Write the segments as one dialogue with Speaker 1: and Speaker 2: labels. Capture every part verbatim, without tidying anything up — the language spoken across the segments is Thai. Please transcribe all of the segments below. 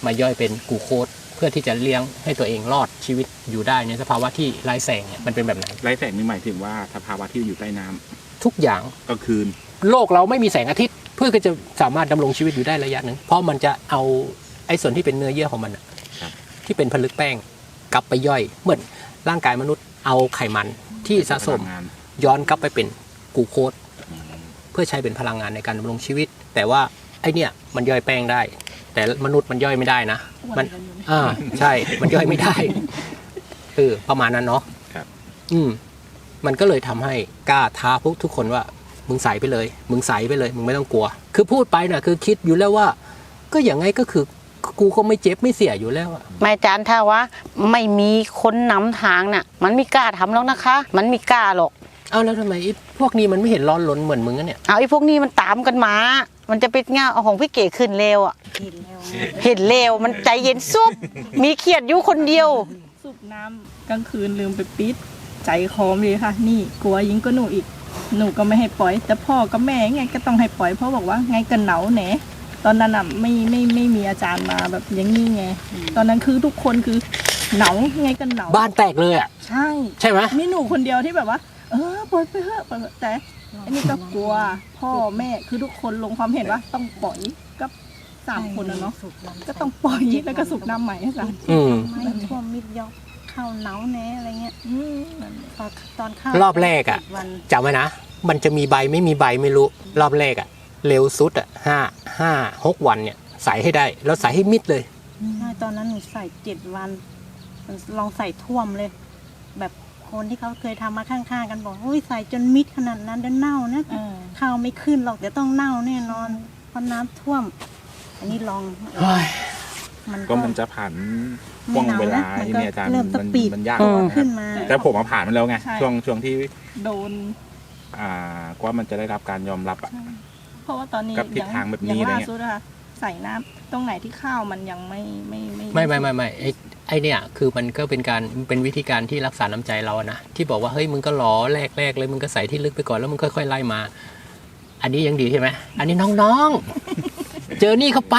Speaker 1: มาย่อยเป็นกลูโคสเพื่อที่จะเลี้ยงให้ตัวเองรอดชีวิตอยู่ได้ในสภาวะที่ไร้แสงเนี่ยมันเป็นแบบไหน
Speaker 2: ไร้แสงนี่หมายถึงว่าสภาวะที่อยู่ใต้น้ำ
Speaker 1: ทุกอย่าง
Speaker 2: กลางคืน
Speaker 1: โลกเราไม่มีแสงอาทิตย์เพื่อจะสามารถดำรงชีวิตอยู่ได้ระยะหนึ่งเพราะมันจะเอาไอ้ส่วนที่เป็นเนื้อเยื่อของมันที่เป็นผลึกแป้งกลับไปย่อยเหมือนร่างกายมนุษย์เอาไขมันที่สะสมย้อนกลับไปเป็นกลูโคสเพื่อใช้เป็นพลังงานในการดำรงชีวิตแต่ว่าไอเนี่ยมันย่อยแป้งได้แต่มนุษย์มันย่อยไม่ได้นะมันอ่าใช่มันย่อยไม่ได้เออประมาณนั้นเนาะ
Speaker 2: ครับ
Speaker 1: อืมมันก็เลยทำให้กล้าท้าพวกทุกคนว่ามึงใส่ไปเลยมึงใส่ไปเลยมึงไม่ต้องกลัวคือพูดไปน่ะคือคิดอยู่แล้วว่าก็อย่างไงก็คือกูก็ไม่เจ็บไม่เสียอยู่แล้ว
Speaker 3: ไม่จานถ้าว่าไม่มีคนนำทางน่ะมันไม่กล้าทำหรอกนะคะ มันไม่กล้าหรอก
Speaker 1: เอาแล้วทำไมไอ้พวกนี้มันไม่เห็นร้อนรนเหมือนมึงเนี่ย
Speaker 3: เอาไอ้พวกนี้มันตามกันมามันจะเป็นเงาเอาของพี่เก๋ขึ้นเร็วอ่ะเห็นเร็วมันใจเย็นซุบมีเครียดอยู่คนเดียว
Speaker 4: สูบน้ำกลางคืนลืมไปปิดใจคอมเลยค่ะนี่กลัวยิงก็หนูอีกหนูก็ไม่ให้ปล่อยแต่พ่อกับแม่ไงก็ต้องให้ปล่อยเพราะบอกว่าไงกันหนาวแหนตอนนั้นอ่ะไม่ไม่ไม่มีอาจารย์มาแบบอย่างนี้ไงตอนนั้นคือทุกคนคือหนาวไงกันหนาว
Speaker 1: บ้านแตกเลยอ่ะ
Speaker 4: ใช่
Speaker 1: ใช่ไหม
Speaker 4: มีหนูคนเดียวที่แบบว่าเออปล่อยไปเถอะแต่อันนี้ก็กลัวพ่อแม่คือทุกคนลงความเห็นว่าต้องปล่อยกับสามคนนะเนาะก็ต้องปล่อยแล้วก็สูบน้ำใหม่ให้กัน
Speaker 3: ไม่ท่วมมิดยอกเข้าหนาวแน่อะไรเงี้ยตอนเข้า
Speaker 1: รอบแรกอ่ะจำไว้นะมันจะมีใบไม่มีใบไม่รู้รอบแรกอ่ะเร็วสุดอ่ะห้าห้าหกวันเนี่ยใส่ให้ได้แล้วใส่ให้มิดเลย
Speaker 3: ใช่ตอนนั้นหนูใส่เจ็ดวันลองใส่ท่วมเลยแบบคนที่เขาเคยทำมาข้างๆกันบอกโอ้ยใส่จนมิดขนาดนั้นเดี๋ยวเน่านะข้าวไม่ขึ้นหรอกเดี๋ยวต้องเน่าแน่นอนเพราะน้ำท่วมอันนี้ลอง
Speaker 2: มันก็มันจะผ่านช่วงเวลาที่เนี่ยอาจารย์มันมันยาก
Speaker 3: ขึ้นมา
Speaker 2: แต่ผมมาผ่านมันแล้วไงช่วงช่วงที่
Speaker 4: โดน
Speaker 2: อ่าว่ามันจะได้รับการยอมรับอ่ะ
Speaker 4: เพราะว่าตอนนี้
Speaker 2: กับทิศทางแบบนี้อะไรเงี้ย
Speaker 4: ใส่น้ำตรงไหนที่ข้าวมันยังไม่ไม่ไม่
Speaker 1: ไม่ไม่ไม่ไม่ไอ้ไอเนี่ยคือมันก็เป็นการเป็นวิธีการที่รักษาน้ำใจเรานะที่บอกว่าเฮ้ยมึงก็หล่อแรกแรกเลยมึงก็ใส่ที่ลึกไปก่อนแล้วมึงค่อยๆไล่มาอันนี้ยังดีใช่ไหมอันนี้น้องๆเจอนี่เข้าไป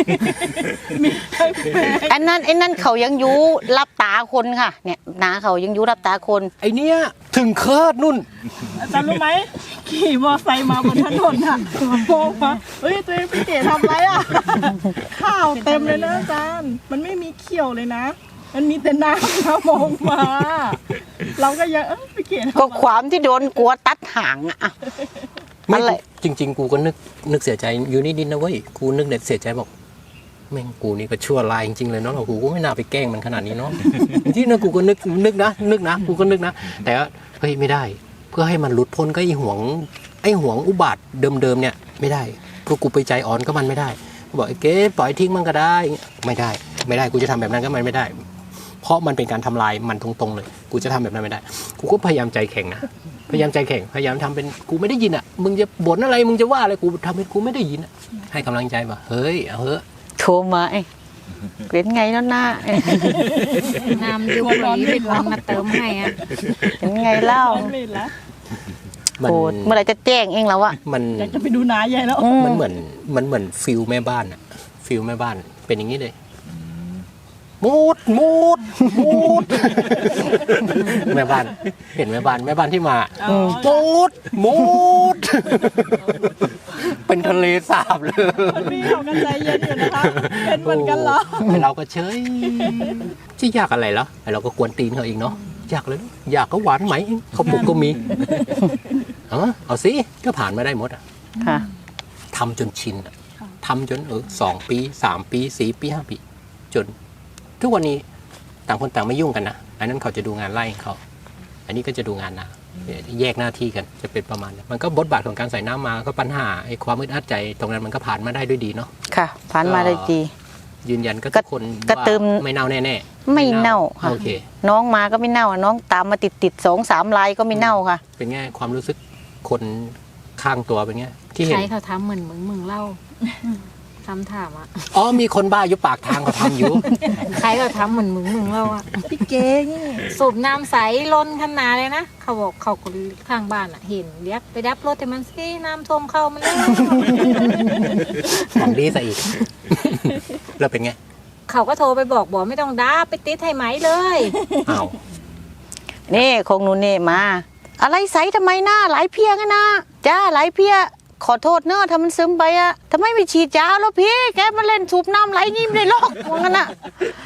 Speaker 3: อันนั้นไอ้นั่นเขายังยูรับตาคนค่ะเนี่ยนาเขายังยูรับตาคน
Speaker 1: ไอเนี้ยถึงเคิร์ดนุ่น
Speaker 4: อาจารย์รู้ไหมขี่มอไซค์มาบนถนนอ่ะมองมาเฮ้ยตัวเองพี่เก๋ทำไรอ่ะข้าวเต็มเลยนะอาจารย์มันไม่มีเขียวเลยนะมันมีแต่น้ำนะมองมาเราก็ยังเออพี่เก๋
Speaker 3: ก็ความที่โดนกลัวตัดหางอ่ะ
Speaker 1: ไม่จริงๆกูก็นึกนึกเสียใจอยู่นิดๆนะเว้ยกูนึกเด็ดเสียใจบอกแม่งกูนี่ก็ชั่วลายจริงๆเลยเนาะกูก็ไม่น่าไปแกล้งมันขนาดนี้เนาะที่นั่นกูก็นึกนึกนะนึกนะกูก็นึกนะแต่ว่าเฮ้ยไม่ได้เพื่อให้มันหลุดพ้นก็ไอ้ห่วงไอ้ห่วงอุบาทเดิมๆเนี่ยไม่ได้ก็กูไปใจอ่อนก็มันไม่ได้กูบอกไอ้เก๋ปล่อยทิ้งมันก็ได้ไม่ได้ไม่ได้กูจะทำแบบนั้นก็มันไม่ได้เพราะมันเป็นการทำลายมันตรงๆเลยกูจะทำแบบนั้นไม่ได้กูก็พยายามใจแข็งนะพยายามใจแข็งพยายามทำเป็นกูไม่ได้ยินอ่ะมึงจะบ่นอะไรมึงจะว่าอะไรกูทำเป็นกูไม่ได้ยินอ่ะให้กำลังใจว่าเฮ้ยเอาเถอะ
Speaker 3: โทรมาไอ้เป็นไงแล้วหน้า
Speaker 5: น้ำยูรีเป็นวันมาเติมให้อ่ะ
Speaker 3: เป็นไงเล่าโอ้เมื่อไรจะแจ้งเองแล้วอะ
Speaker 1: มัน
Speaker 4: อยากจะไปดูน้าใหญ่แล้ว
Speaker 1: มันเหมือนมันเหมือนฟิลแม่บ้านอะฟิลแม่บ้านเป็นอย่างนี้เลยมูดมูดมูดแม่บ้านเห็นแม่บ้านแม่บ้านที่มามูดมูดเป็นทะเลสาบเลย
Speaker 4: คนพี่เขากันใจเย็นอยู่นะคะเป็นเหมือนกันเหรอ
Speaker 1: เราก็เฉยที่ยากอะไรแล้วเราก็กวนตีนเขาเองเนาะอยากเลยอยากก็หวานไหมเขาปลุกก็มีเออเอาสิก็ผ่านมาได้หมดอ่ะทำจนชินอ่ะทำจนเออสองปีสามปีสี่ปีห้าปีจนทุกวันนี้ต่างคนต่างไม่ยุ่งกันนะอันนั้นเขาจะดูงานไล่เขาอันนี้ก็จะดูงานนะแยกหน้าที่กันจะเป็นประมาณนี้มันก็บทบาทของการใส่น้ำมาก็ปัญหาไอ้ความอึดอัดใจตรงนั้นมันก็ผ่านมาได้ด้วยดีเนาะ
Speaker 3: ค่ะผ่านมาได้ดี
Speaker 1: ยืนยันก็ทุกคนว่าไม่เน่าแน่
Speaker 3: ๆไม่เน่าค่ะโอเคน้องมาก็ไม่เน่าน้องตามมาติดติดสองสามลายก็ไม่เน่าค่ะ
Speaker 1: เป็นไงความรู้สึกคนข้างตัวเป็นไงที่เห็น
Speaker 5: ใครเขาทำเหมือนมึงมึงเล่าทำถามอ่ะ
Speaker 1: อ๋อมีคนบ้าอยู่ปากทางเขาทำอยู่
Speaker 5: ใครเขาทำเหมือนมึงมึงเล่าอ่ะ
Speaker 4: พี่เก๋
Speaker 5: สูบน้ำใสล้นขนาดเลยนะเขาบอกเขาคนข้างบ้านอ่ะเห็นเรียกไปดับรถแต่มันสิน้ำท่วมเข้ามันเลย
Speaker 1: ของดีซะอีกแล้วเป็นไง
Speaker 5: เขาก็โทรไปบอกบอกไม่ต้องด่าไปติดให้ไหมเลย
Speaker 1: อ้าว
Speaker 6: นี่คงหนูนี่มา อะไรใสทำไมหน้าไหลเพียกันนะจ้าไหลเพียขอโทษเนอะถ้ามันซึมไปอะทำไมไม่ฉีดยาแล้วพี่แกมาเล่นสูบน้ำไหลยิ้มเลยหรอกว่างั้นอะ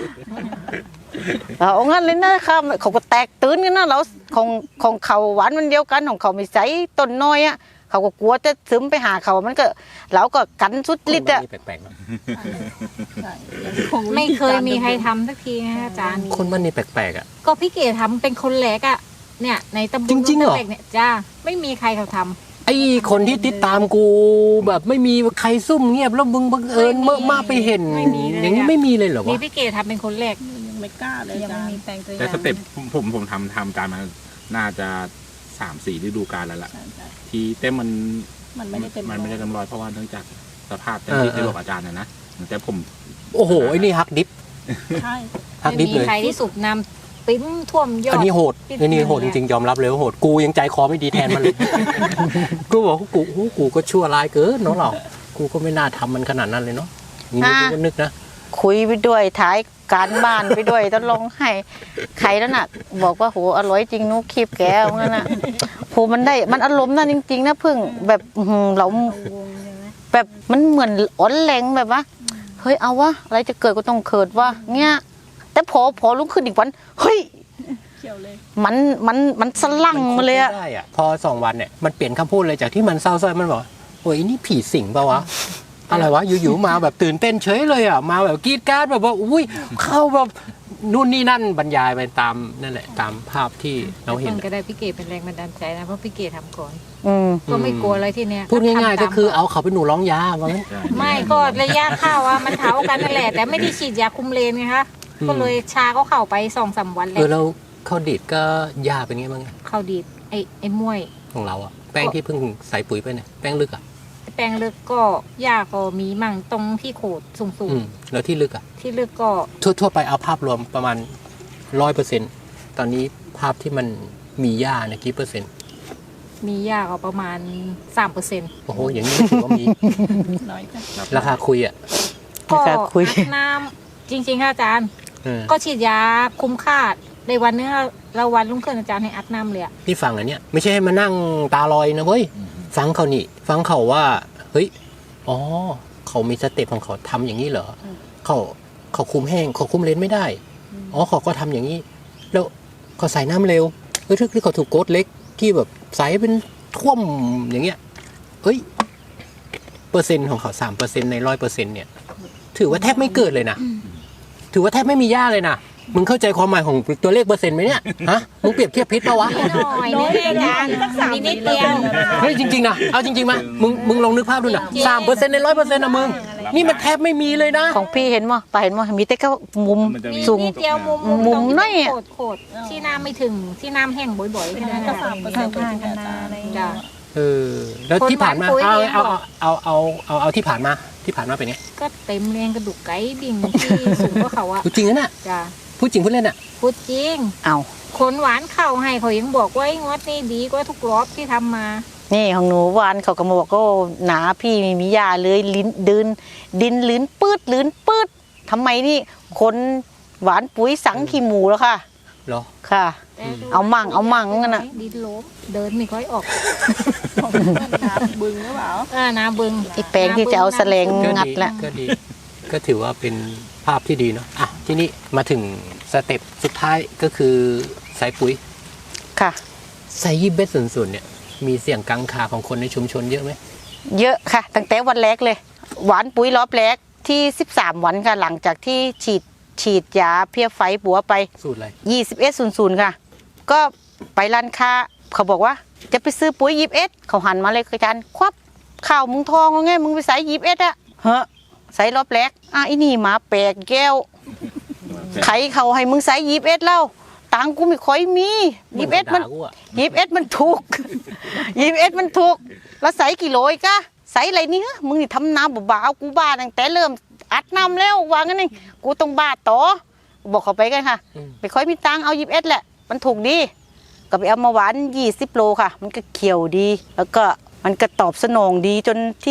Speaker 6: เอางั้นเลยนะครับเขาก็แตกตื่นกันนะเราของของเขาหวานมันเดียวกันของเขาไม่ใสต้นน้อยอะเขาก็กลัวจะซึมไปหาเขามันก็เราก็กันสุดฤทธิ์อะ
Speaker 1: คนบ้านนี้แปลกๆเนอะ
Speaker 4: ใช่
Speaker 5: ไม่เคยมีใครทำสักทีนะอาจารย์
Speaker 1: คนบ้านนี้แปลกๆอ่ะ
Speaker 5: ก็พี่เก๋ทำเป็นคนแรกอะเนี่ยในตำบล
Speaker 1: จริงๆเหรอ
Speaker 5: ตะเล็กเนี่ยจ้าไม่มีใครเขาทำ
Speaker 1: ไอ้คนที่ติดตามกูแบบไม่มีใครซุ่มเงียบแล้วมึงบังเอิญ
Speaker 5: ไม่มี
Speaker 1: เมื่อมาไปเห็น
Speaker 5: ไม่มีเลย
Speaker 1: อย่างนี้
Speaker 5: อะ
Speaker 1: ไม่มีเลยเหรอ
Speaker 5: มี
Speaker 1: วะ
Speaker 5: พี่เก๋ทำเป็นคนแรก
Speaker 4: ยังไม่กล้าเลย
Speaker 3: ยัง
Speaker 4: จ้า
Speaker 3: ไม่มีแปลงตัวอ
Speaker 2: แต่
Speaker 3: ย่าง
Speaker 2: สเต็ปผมผมผมทำทำการมาน่าจะสามสี่ฤดูกาลแล้วล่ะ
Speaker 4: ใช่ใช่
Speaker 2: ที่เต้มมัน
Speaker 4: มันไม่ได้เต็ม
Speaker 2: มันไม่ได้เต็มร้อยเพราะว่าเนื่องจากสภาพที่ที่บอกอาจารย์นะนะแต่ผม
Speaker 1: โอ้โหไอ้นี่ฮักดิฟ
Speaker 4: ใช่
Speaker 1: ฮัก
Speaker 5: ไม่
Speaker 1: ดิฟ
Speaker 5: มี
Speaker 1: เลย
Speaker 5: ใครที่สูบน้ำปิ้มท่วมยอ
Speaker 1: อัน
Speaker 5: ด
Speaker 1: นี้โหด
Speaker 5: ปิด
Speaker 1: อันนี้โหด
Speaker 5: เล
Speaker 1: จ
Speaker 5: ยอะ
Speaker 1: ริงๆยอมรับเลยว่าโหดกูยังใจคอไม่ดีแทนมันเลย กูบอกว่ากูโอ้โหกูก็ชั่วร้ายเกินเนาะเรากูก็ไม่น่าทำมันขนาดนั้นเลยเนาะนี่กูก็นึกนะ
Speaker 6: คุยไปด้วยถ่ายการบ้านไปด้วยต้องลงให้ใครแล้วน่ะ บอกว่าโหอร่อยจริงนุ๊กคลิปแกว่างั้นน่ะโหมันได้มันอารมณ์นั่นจริงๆนะพึ่งแบบอื้อหือเรา
Speaker 3: วงใช่ไหม
Speaker 6: แบบมันเหมือนอ่อนแรงแบบว่าเฮ้ยเอาวะอะไรจะเกิดก็ต้องเกิดวะเงี้ยแต่พอพอลุกขึ้นอีกวันเฮ้ย
Speaker 4: เขียวเลย
Speaker 6: มันมันมันสลั่งมาเลยอะ
Speaker 1: นคบไม่ได้อะพอสองวันเนี่ยมันเปลี่ยนคำพูดเลยจากที่มันเศร้าส้อยมันบอกโอ้ยนี่ผีสิงเปล่าวะ อะไรวะอยู่ๆมาแบบตื่นเต้นเฉยเลยอ่ะมาแบบกรีดกราร์ดแบบว่าอุ้ยเข้าแบบนู่นนี่นั่นบรรยายไปตามนั่นแหละตามภาพที่เราเห็น
Speaker 5: คนก็ได้พี่เก๋เป็นแรงบันดาลใจนะเพราะพี่เก๋ทำก่อน
Speaker 6: อืม
Speaker 5: ก็ไม่กลัวอะไรที่เนี้ย
Speaker 1: พูดง่ายๆ
Speaker 5: ทำตม
Speaker 1: ก็คือเอาเขาไปหนูร้องยาว่างั้น
Speaker 5: ไม่ก็ระยะเข้าอะมันเท้ากันนั่นแหละแต่ไม่ได้ฉีดยาคุมเลนไงคะ
Speaker 1: อืม
Speaker 5: ก็เลยชาก็เข้าไปสองสามวันเล
Speaker 1: เอย อแล้วข้าวดีดก็ยาเป็นไงบ้าง
Speaker 5: เข้าดีดไอ้ไอ้มวย
Speaker 1: ของเราอ่ะแป้งที่เพิ่งใส่ปุ๋ยไปเนี่ยแป้งลึกอ่ะ
Speaker 5: แปลงลึกก็ยาก็มีมั่งตรงที่โขดสูง
Speaker 1: อืมแล้วที่ลึกอ่ะ
Speaker 5: ๆที่ลึกก็
Speaker 1: ทั่วๆไปเอาภาพรวมประมาณร้อยเปอร์เซ็นต์ตอนนี้ภาพที่มันมีหญ้าเนี่ยกี่เปอร์เซ็นต์
Speaker 5: มียาก็ประมาณสามเปอร์เซ็นต์
Speaker 1: โอ้โหอย่างนี้ถือว่ามี
Speaker 4: น้อยจ้ะ
Speaker 1: ราคาคุยอ่ะ
Speaker 5: ก็
Speaker 6: ราคาคุย
Speaker 5: อัดน้ำจริงๆค่ะอาจารย์
Speaker 1: เออ
Speaker 5: ก็ฉีดยาคุ้มค่าในวันนึงเราวันรุ่งขึ้นอาจารย์ให้อัดน้ำเลยอะ
Speaker 1: ที่ฟังอันเนี้ยไม่ใช่ให้มานั่งตาลอยนะเว้ยฟังเขานี่ ฟังเขาว่าเฮ้ยอ๋อเขามีสเต็ปของเขาทำอย่างนี้เหรอเขาเขาคุมแห้งเขาคุมเลนไม่ได้อ๋อเขาก็ทำอย่างนี้ แล้วเขาใส่น้ำเร็วเฮ้ยที่เขาถูกโกดเล็กที่แบบใส่เป็นท่วมอย่างเงี้ยเฮ้ยเปอร์เซ็นต์ของเขาสามเปอร์เซ็นต์ในร้อยเปอร์เซ็นต์เนี่ย ถือว่าแทบไม่เกิดเลยนะถือว่าแทบไม่มีหญ้าเลยนะมึงเข้าใจความหมายของตัวเลขเปอร์เซ็นต์ไหมเนี่ยฮะมึงเปรียบเทียบพิษปะวะ
Speaker 5: หน่อยนึงอาจารย์มีนิดเดียว
Speaker 1: เฮ้ยจริงๆนะเอาจริงๆมามึงมึงลองนึกภาพดูนะสามเปอร์เซ็นต์ในร้อยเปอร์เซ็นต์นะมึงนี่มันแทบไม่มีเลยนะ
Speaker 6: ของพี่เห็นมั้ยไปเห็นมั้ยมีแต่ก็มุม
Speaker 2: มันจะมี
Speaker 5: มี
Speaker 6: สูง
Speaker 5: นิดเดียวมุม
Speaker 6: มุม
Speaker 5: ตรงที่
Speaker 6: น้อยอะ
Speaker 5: โขดโขดที่น้ำไม่ถึงที่น้ำแห้งบ่อยๆแค่นั้น
Speaker 4: ก็
Speaker 5: อะ
Speaker 4: สามเปอร์เซ็
Speaker 3: ข้าน ง
Speaker 4: ต์
Speaker 3: ข้างๆกันนาอะไรอย่าง
Speaker 5: จ้ะ
Speaker 3: เงี้ย
Speaker 1: เออแล้วที่ผ่านมา
Speaker 5: คนบ้านปุ๋ย
Speaker 1: เอา
Speaker 5: เนี่ย
Speaker 1: เอาเอาเอาเอาเอาที่ผ่านมาที่ผ่านมาเป็นไง
Speaker 5: ก็เต็มเรียงกระดูกไก่บิ่งที่สูงกว่าเขาอะ
Speaker 1: พูดจริงนะน่ะ
Speaker 5: จ้ะ
Speaker 1: พูดจริงพูดเล่นอ่ะ
Speaker 5: พูดจริง
Speaker 6: เอา
Speaker 5: คนหวานเข้าให้เขายังบอกว่าไอ้งวดนี่ดีกว่าทุกรอบที่ทำมา
Speaker 6: นี่ของหนูวานเขาก็มาบอกก็หนาพี่ไม่มียาเลยลิ้นดินดินลิ้นปืดลิ้นปืดทำไมนี่คนหวานปุ๋ยสังขี้หมูแล้วค่ะ
Speaker 1: เหรอ
Speaker 6: ค่ะ
Speaker 5: แต่ดู
Speaker 6: เอามั่งเอามั่งงั้นน่ะ
Speaker 5: ดินล้มเดินไม่ค่อยออก
Speaker 4: ของน้ำบึงหรือเปล่า
Speaker 5: อ่านาบึง
Speaker 6: ไอ้แปลงที่จะเอาแสลง
Speaker 1: ก็
Speaker 6: งัด
Speaker 1: ดี
Speaker 6: ละ
Speaker 1: ก็ดีก็ถือว่าเป็นภาพที่ดีเนาะอ่ะทีนี้มาถึงสเต็ปสุดท้ายก็คือใส่ปุ๋ย
Speaker 6: ค่ะ
Speaker 1: ใส่ยี่เบสส่วนๆเนี่ยมีเสียงกังขาของคนในชุมชนเยอะไหม
Speaker 6: เยอะค่ะ ตั้งแต่วันแรกเลย หวานปุ๋ยรอบแรกที่สิบสามวันค่ะหลังจากที่ฉีดฉีดยาเพี้ยไฟบัวไป
Speaker 1: สูตรอะไร
Speaker 6: ยี่สิบเอ็ดศูนย์ศูนย์ค่ะ ก็ไปร้านค้าเขาบอกว่าจะไปซื้อปุ๋ยยี่สิบเอ็ดเขาหันมาเลยอาจารย์ควับข่าวมึงทองเอาไงมึงไปใส่ยี่สิบเอ็ดอะเฮ้ใส่รอบแรกอ่ะอีนี่หมาแปลกแก้วใครเขาให้มึงใส่ยี่สิบเอ็ดแล้วตังค์กูไม่ค่อยมียี่สิบเอ็ดมัน
Speaker 1: ด่ากูอะ
Speaker 6: ยี่สิบเอ็ดมันถูก ยี่สิบเอ็ดมันถูกแล้วใส่กี่โลอีกอะใส่อะไรนี่ฮะมึงนี่ทำน้ำบ้าๆกูบ้าตั้งแต่เริ่มอัดน้ำแล้ววางงั้นเองกูต้องบ้าต่อบอกเขาไปกันค่ะ
Speaker 1: อืม
Speaker 6: ไม่ค่อยมีตังค์เอายี่สิบเอ็ดแหละมันถูกดีก็ไปเอามาหวานยี่สิบโลค่ะ มันก็เขียวดี แล้วก็มันก็ตอบสนองดีจนที่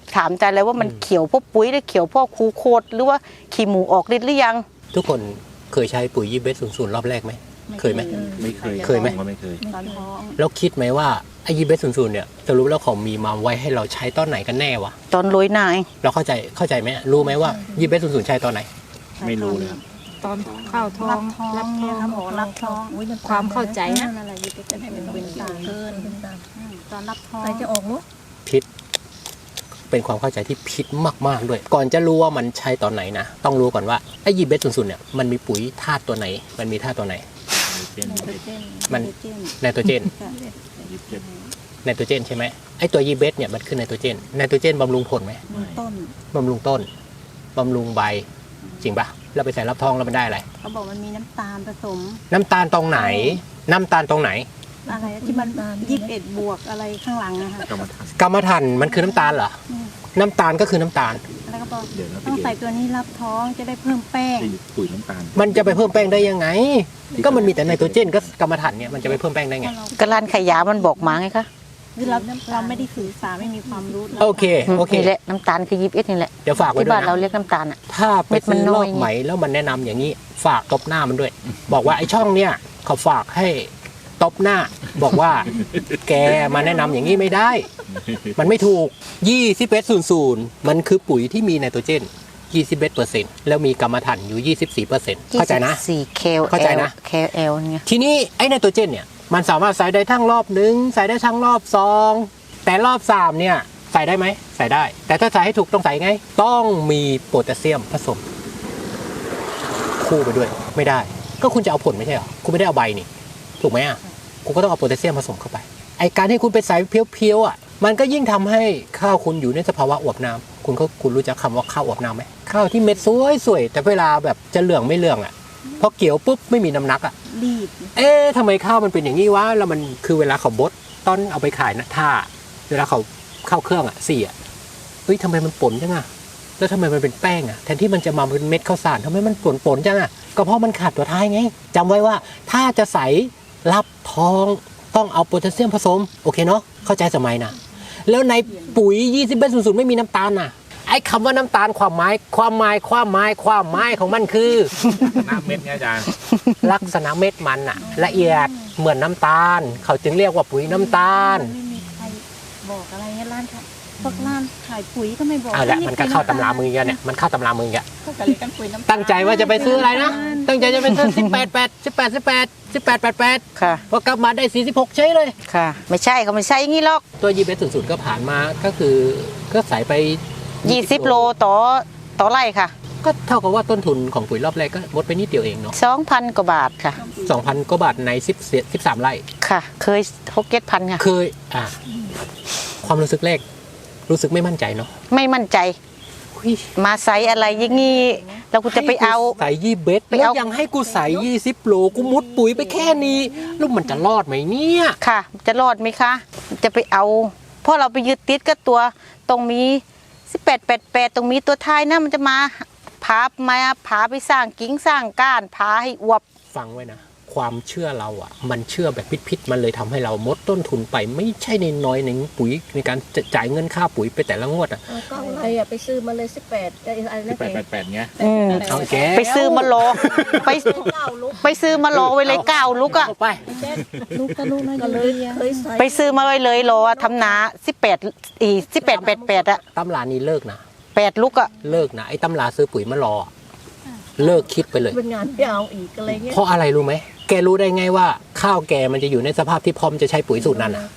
Speaker 6: ถามใจเลยว่ามันเขียวเพราะปุ๋ยหรือเขียวเพราะคูโคตรหรือว่าขี้หมูออกฤทธิ์หรือยัง
Speaker 1: ทุกคนเคยใช้ปุ๋ยยีเบสศูนย์ศูนย์รอบแรกไหมเคยไหม
Speaker 2: ไม่เคย
Speaker 1: เคยไหม
Speaker 2: ผก็ไม่เคย
Speaker 3: ตอนท้อง
Speaker 1: แล้วคิดไหมว่าไอ้ยีเบสศูนย์ศูนย์เนี่ยสรุปแล้วเขามีมาไว้ให้เราใช้ตอนไหนกันแน่วะ
Speaker 6: ตอนโรยหน้าเอง
Speaker 1: เราเข้าใจเข้าใจไหมรู้ไหมว่ายีเบสศูนย์ศูนย์ใช้ตอนไหน
Speaker 2: ไม่รู้เลยครับ
Speaker 5: ตอนเข้าท้อ
Speaker 3: รั
Speaker 5: ง
Speaker 3: บท้อง
Speaker 5: รับ
Speaker 3: เนี่ย
Speaker 5: ท้อง
Speaker 3: ครับหมอรับท้อง
Speaker 5: ความเข้าใจนะ
Speaker 3: นั่นแหละยี่เป็นเป็นเป็นสารเกินตอนรับท้อง
Speaker 4: ใครจะออกลูก
Speaker 1: พิษเป็นความเข้าใจที่พิษมากๆด้วย ก่อนจะรู้ว่ามันใช้ตอนไหนนะต้องรู้ก่อนว่าไอ้ยีเบสศูนย์ศูนย์เนี่ยมันมีปุ๋ยธาตุตัวไหน มันมีธาตุตัวไหน
Speaker 2: เป็น
Speaker 1: มัน
Speaker 3: เจน
Speaker 1: ไนโตรเจน
Speaker 2: ยี่สิบเจ็ด
Speaker 1: ไนโตรเจนใช่ไหมไอ้ตัวยีเบสเนี่ยมันคือไนโตรเจนไนโตรเจนบำรุงผลไหม
Speaker 3: ต้น
Speaker 1: บำรุงต้นบำรุงใบจริงปะเราไปใส่รับท้องแล้วมันได้อะไร
Speaker 3: เขาบอกมันมีน้ำตาลผสม
Speaker 1: น้ำตาลตรงไหน น้ำตาลตรงไหน
Speaker 3: อะไรที่มันยี่สิบเอ็ดบวกอะไรข้างหลังนะคะ
Speaker 2: กรรมฐาน
Speaker 1: กรรมฐานมันคือน้ำตาลเหรอ น้ำตาลก็คือน้ำตาล
Speaker 3: แล้วก็บอก
Speaker 2: เดี๋ยวนะ
Speaker 3: ต้อง
Speaker 2: พี่
Speaker 3: ใส่
Speaker 2: เก๋
Speaker 3: ตัวนี้รับท้องจะได้เพิ่มแป้ง
Speaker 2: ไอ้ปุ๋ยน้ำตาล
Speaker 1: มันจะไปเพิ่มแป้งได้ยังไง ก็มันมีแต่ไนโตรเจนก็กรรมฐานเนี่ยมันจะไปเพิ่มแป้งได้ไง
Speaker 6: กระลานขยามันบอกมาไงคะ
Speaker 3: คือเราเราไม่ได้สื่อสารไม่มีความรู้
Speaker 1: โอเคโอเค
Speaker 6: นี่แหละน้ำตาลคือยีบเอ็ดนี่แหละ
Speaker 1: เดี๋ยวฝากไว้
Speaker 6: ที่
Speaker 1: ด้ว
Speaker 6: บ้าย นเรา
Speaker 1: นะ
Speaker 6: เรียกน้ำตาลอ่ะ
Speaker 1: ถ้าไป
Speaker 6: เม็ดมัน
Speaker 1: ซื้อ
Speaker 6: น้
Speaker 1: ร
Speaker 6: อ
Speaker 1: อย บใหม่แล้วมันแนะนำอย่างนี้ ฝากตบหน้ามันด้วย บอกว่าไอ้ช่องเนี่ยเขาฝากให้ตบหน้า บอกว่า แกมาแนะนำอย่างนี้ไม่ได้ มันไม่ถูกยี่สิบเอ็ดศูนย์ศูนย์มันคือปุ๋ยที่มีไนโตรเจนยี่สิบเอ็ดเปอร์เซ็นต์แล้วมีกรรมฐานอยู่ยี่สิบสี่เปอร์เซ็นต์เข้าใจนะ
Speaker 6: สี่เคล
Speaker 1: เข้าใจนะ
Speaker 6: เคลเอลเนี่ย
Speaker 1: ทีนี้ไอ้ไนโตรเจนเนี่ยมันสามารถใส่ได้ทั้งรอบหนึ่งใส่ได้ทั้งรอบสองแต่รอบสามเนี่ยใส่ได้ไหมใส่ได้ แต่ถ้าใส่ให้ถูกต้องใส่ไง ต้องมีโพแทสเซียมผสม คู่ไปด้วยไม่ได้ ก็คุณจะเอาผลไม่ใช่เหรอคุณไม่ได้เอาใบนี่ถูกไหมอ่ะคุณก็ต้องเอาโพแทสเซียมผสมเข้าไปไอการที่คุณไปใส่เพียวๆอ่ะมันก็ยิ่งทำให้ข้าวคุณอยู่ในสภาวะอวบน้ำคุณก็คุณรู้จักคำว่าข้าวอวบน้ำไหมข้าวที่เม็ดสวยๆแต่เวลาแบบจะเหลืองไม่เหลืองอ่ะพอเกี่ยวปุ๊บไม่มีน้ำหนักอ่ะ
Speaker 3: รีบ
Speaker 1: เอ๊ะทำไมข้าวมันเป็นอย่างนี้วะ แล้วมันคือเวลาเขาบดตอนเอาไปขายนะถ้า เวลาเขาเข้าเครื่องอ่ะสี่อ่ะเฮ้ยทำไมมันป่นจังอ่ะ แล้วทำไมมันเป็นแป้งอ่ะ แทนที่มันจะมาเป็นเม็ดข้าวสารทำไมมันป่นป่นจังอ่ะ ก็เพราะมันขาดตัวท้ายไงจำไว้ว่าถ้าจะใส่รับท้องต้องเอาโพแทสเซียมผสม โอเคเนาะ เข้าใจสมัยนะ แล้วในปุ๋ยยี่สิบเอ็ดศูนย์ศูนย์ไม่มีน้ำตาลน่ะ ไอ้คำว่าน้ำตาลความหมายความหมายความหมายความหมายของมันคือ
Speaker 2: น้ำเม็ดไงอาจารย์
Speaker 1: ลักษณะเม็ดมันอะละเอียดเหมือนน้ำตาล เขาจึงเรียกว่าปุ๋ยน้ำตาล
Speaker 3: ไม่มีใครบอกอะไรเงี้ยร้านค่ะพวกร้านขายปุ๋ยก็ไม่บอก
Speaker 1: เอาละมันก็เข้าตำรามือกันเนี่ยมันเข้าตำรามือกัน
Speaker 4: ก็เรียกกันปุ๋ยน้ำตาล
Speaker 1: ตั้งใจว่าจะไปซื้ออะไรนะตั้งใจจะไปซื้อสิบแปดแปดสิบแปดสิบแปดสิบแปดแปดแปด
Speaker 6: ค่ะ
Speaker 1: พอกลับมาได้สี่สิบหกใช่เลย
Speaker 6: ค่ะ ไม่ใช่เขาไม่ใช่อย่างนี้หรอก
Speaker 1: ตัวยีเบสศูนย์ศูนย์ก็ผ่านมาก็คือก็ใส่ไป
Speaker 6: ยี่สิบโลต่อต่อไร่ค่ะ
Speaker 1: ก็เท่ากับว่าต้นทุนของปุ๋ยรอบแรกก็ลดไปนิดเดียวเองเนาะ
Speaker 6: สองพันกว่าบาทค่ะ
Speaker 1: สองพันกว่าบาทในสิบสิบสามไร่
Speaker 6: ค่ะ เคยหกเก็ตพันค่ะ
Speaker 1: เคยอ่ะความรู้สึกแรกรู้สึกไม่มั่นใจเนาะ
Speaker 6: ไม่มั่นใจ
Speaker 1: อุ๊ย
Speaker 6: มาใส่อะไรอย่างงี้แล้วกูจะไปเอา
Speaker 1: ใส่ยี่เบส
Speaker 6: ไป
Speaker 1: แล้ว
Speaker 6: เอา
Speaker 1: ยังให้กูใส่ยี่สิบโลกูมุดปุ๋ยไปแค่นี้แล้วมันจะรอดไหมเนี่ย
Speaker 6: ค่ะ จะรอดไหมคะ จะไปเอา เพราะเราไปยึดติดกับตัวตรงมีสิบแปดแปดแปดตรงมีตัวท้ายนะมันจะมาพามาพาไปสร้างกิ่งสร้างก้านพาให้อวบ
Speaker 1: ฟังไว้นะความเชื่อเราอ่ะ มันเชื่อแบบพิษๆมันเลยทำให้เรามดต้นทุนไปไม่ใช่ในน้อยในปุ๋ยในการจะจ่ายเงินค่าปุ๋ยไปแต่ละงวดอ่ะ
Speaker 7: เออก็อะไรอ่ะไปซื้อมาเลยสิบแปดอะไร
Speaker 2: สิ
Speaker 7: นะ
Speaker 2: บแปดแปดแปดไง
Speaker 6: อืม
Speaker 1: เอาแก
Speaker 6: ไปซื้อมาโลไป
Speaker 7: เก้าลูก
Speaker 6: ไปซื้อมาโลไว้เลยเก้าลูกอะ
Speaker 1: เอาไป
Speaker 3: ลูกก็ลูกน้อย
Speaker 7: ก็เลยเคยใส่
Speaker 6: ไปซื้อมาไว้เลยโลอะทำนาสิบแปดอีสิบแปดแปดแปดอะ
Speaker 1: ตำรานี้เลิกนะ
Speaker 6: แปดลูกอะ
Speaker 1: เลิกนะไอ้ตำราซื้อปุ๋ยมารออะเลิกคิดไปเลย
Speaker 7: เป็นงานยาวอีกอะไรเงี้ย
Speaker 1: เพราะอะไรรู้ไหมแกรู้ได้ไงว่าข้าวแกมันจะอยู่ในสภาพที่พร้อมจะใช้ปุ๋ยสูตรนั้นอ่ะ